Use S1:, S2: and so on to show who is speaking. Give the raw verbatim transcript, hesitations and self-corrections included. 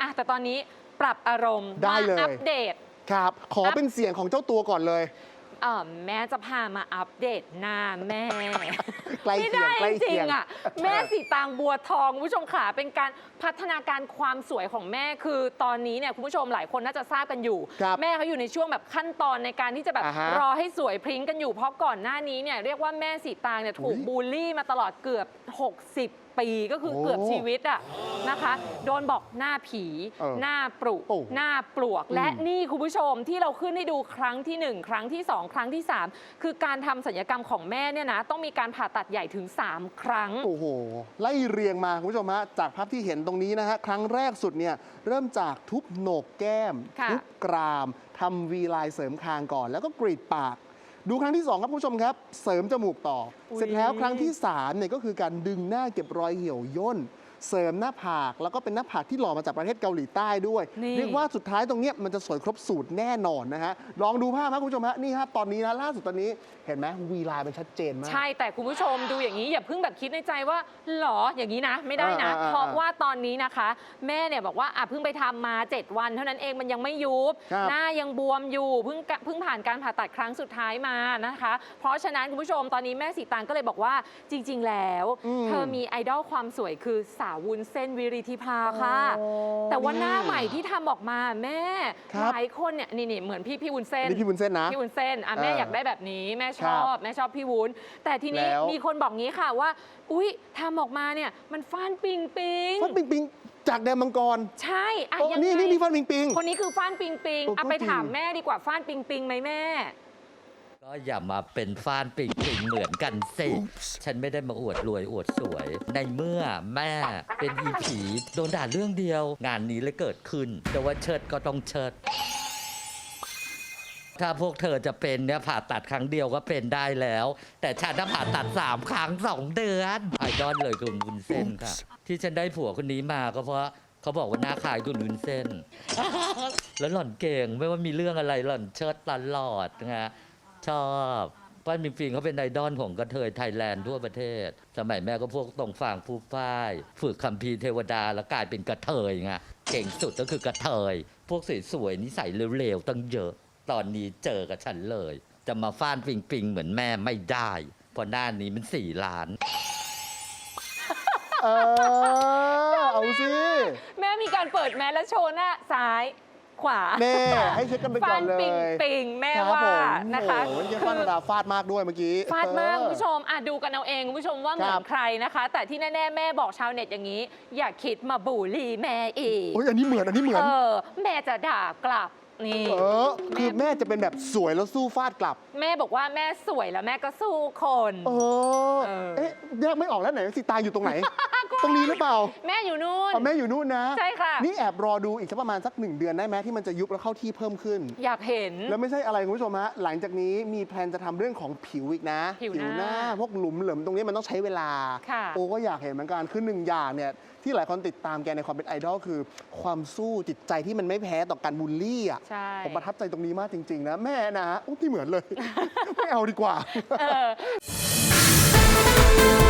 S1: อ่ะแต่ตอนนี้ปรับอารมณ์ได้เลยอัปเดต
S2: ครับขอเป็นเสียงของเจ้าตัวก่อนเลย
S1: เออแม่จะพามาอัปเดตหน้าแม่
S2: ใกล้เคียงใกล้เคียง
S1: อ่ะแม่สีตางบัวทองคุณผู้ชมขาเป็นการพัฒนาการความสวยของแม่คือตอนนี้เนี่ยคุณผู้ชมหลายคนน่าจะทราบกันอยู่แม่เขาอยู่ในช่วงแบบขั้นตอนในการที่จะแบบรอให้สวยพริ้งกันอยู่เพราะก่อนหน้านี้เนี่ยเรียกว่าแม่สีตางเนี่ยถูกบูลลี่มาตลอดเกือบหกสิบปีก็คือเกือบชีวิตอะนะคะโดนบอกหน้าผีหน้าปรุหน้าปลวกและนี่คุณผู้ชมที่เราขึ้นให้ดูครั้งที่หนึ่งครั้งที่สองครั้งที่สามคือการทำศัลยกรรมของแม่เนี่ยนะต้องมีการผ่าตัดใหญ่ถึงสามครั้ง
S2: โอ้โหไล่เรียงมาคุณผู้ชมฮะจากภาพที่เห็นตรงนี้นะฮะครั้งแรกสุดเนี่ยเริ่มจากทุบโหนกแก้มทุบกรามทำวีไลน์เสริมคางก่อนแล้วก็กรีดปากดูครั้งที่สองครับผู้ชมครับเสริมจมูกต่อเสร็จแล้วครั้งที่สามเนี่ยก็คือการดึงหน้าเก็บรอยเหี่ยวย่นเสริมหน้าผากแล้วก็เป็นหน้าผากที่หล่อมาจากประเทศเกาหลีใต้ด้วยเรียกว่าสุดท้ายตรงนี้มันจะสวยครบสูตรแน่นอนนะฮะลองดูภาพครับคุณผู้ชมฮะนี่ครับตอนนี้นะล่าสุดตอนนี้เห็นไหมวีไลน์มันชัดเจนมาก
S1: ใช่แต่คุณผู้ชมดูอย่างนี้อย่าเพิ่งแบบคิดในใจว่าหรออย่างนี้นะไม่ได้นะเพราะว่าตอนนี้นะคะแม่เนี่ยบอกว่าอ่ะเพิ่งไปทำมาเจ็ดวันเท่านั้นเองมันยังไม่ยุบหน้ายังบวมอยู่เพิ่งเพิ่งผ่านการผ่าตัดครั้งสุดท้ายมานะคะเพราะฉะนั้นคุณผู้ชมตอนนี้แม่สีตางก็เลยบอกว่าจริงๆแล้วเธอมีไอดอลความสวยคือสาววุ้นเส้นวิริธิภาค่ะแต่ว่าหน้าใหม่ที่ทำออกมาแม่หลายคนเนี่ยนี่เหมือนพี่พี่วุ้นเส้น
S2: พี่วุ้นเส้นนะ
S1: พี่วุ้นเส้นอ่ะแม่อยากได้แบบนี้แม่ชอบแม่ชอบพี่วุ้นแต่ทีนี้มีคนบอกงี้ค่ะว่าอุ๊ยทำออกมาเนี่ยมันฟ้านปิงปิง
S2: ฟ้านปิงปิงจากแดนมังกร
S1: ใช่
S2: อ่ะนี่นี่นี่ฟ้านปิงปิง
S1: คนนี้คือฟ้านปิงปิงอ่ะไปถามแม่ดีกว่าฟ้านปิงปิงไหมแม่
S3: ก็อย่ามาเป็นฟ้านปิงปิงเหมือนกันสิฉันไม่ได้มาอวดรวยอวดสวยในเมื่อแม่เป็นอีผีโดนด่าเรื่องเดียวงานนี้เลยเกิดขึ้นแต่ว่าเชิดก็ต้องเชิดถ้าพวกเธอจะเป็นเนี่ยผ่าตัดครั้งเดียวก็เป็นได้แล้วแต่ฉันน่ะผ่าตัดสามครั้งสองเดือนไอดอลเลยคุณวุ้นเส้นค่ะที่ฉันได้ผัวคนนี้มาก็เพราะเขาบอกว่าหน้าคล้ายคุณวุ้นเส้นแล้วหล่อนเก่งไม่ว่ามีเรื่องอะไรหล่อนเชิดตลอดนะชอบป้านมิงปิงเขาเป็นไอดอลของกระเทยไทยแลนด์ทั่วประเทศสมัยแม่ก็พวกตรงฝั่งฟูฝ้ายฝึกคัมภีร์เทวดาแล้วกลายเป็นกระเทยไงเก่งสุดก็คือกระเทยพวกสวยๆนิสัยเร็วๆตั้งเยอะตอนนี้เจอกับฉันเลยจะมาฟ้านปิงปิงเหมือนแม่ไม่ได้เพราะหน้านี้มันสี่ล้าน
S2: เออเอาสิ
S1: แม่มีการเปิดแมสและโชว์หน้าซ้ายขวา
S2: แม่ให้เช็คกันไปก่อนเลย
S1: ฟาดปิงปิงแม่ว่านะคะ
S2: คือฟาดดาฟาดมากด้วยเมื่อกี้
S1: ฟาดมากคุณผู้ชมอ่ะดูกันเอาเองคุณผู้ชมว่าเหมือนใครนะคะแต่ที่แน่ๆแม่บอกชาวเน็ตอย่างนี้อย่าคิดมาบูลลี่แม่อีก
S2: โอ้ยอันนี้เหมือนอันนี้เหมือน
S1: เออแม่จะด่ากลับนี่
S2: เออคือแม่จะเป็นแบบสวยแล้วสู้ฟาดกลับ
S1: แม่บอกว่าแม่สวยแล้วแม่ก็สู้คน
S2: เออเอ๊ะแยกไม่ออกแล้วไหนสิตาอยู่ตรงไหนตรงนี้หรือเปล่า
S1: แม่อยู่นู่น
S2: แม่อยู่นู่นนะ
S1: ใช่ค่ะ
S2: นี่แอบรอดูอีกสักประมาณสักหนึ่งเดือนได้ไหมที่มันจะยุบแล้วเข้าที่เพิ่มขึ้น
S1: อยากเห็น
S2: แล้วไม่ใช่อะไรคุณผู้ชมฮะหลังจากนี้มีแพลนจะทำเรื่องของผิวอีกนะ
S1: ผิวหน้า
S2: พวกหลุมเหลิมตรงนี้มันต้องใช้เวลาโอ้ก็อยากเห็นเหมือนกันคือหนึ่งอย่างเนี่ยที่หลายคนติดตามแกในความเป็นไอดอลคือความสู้จิตใจที่มันไม่แพ้ต่อการบูลลี่อ่ะผมประทับใจตรงนี้มากจริงๆนะแม่นะโอ้ที่เหมือนเลยไม่เอาดีกว่า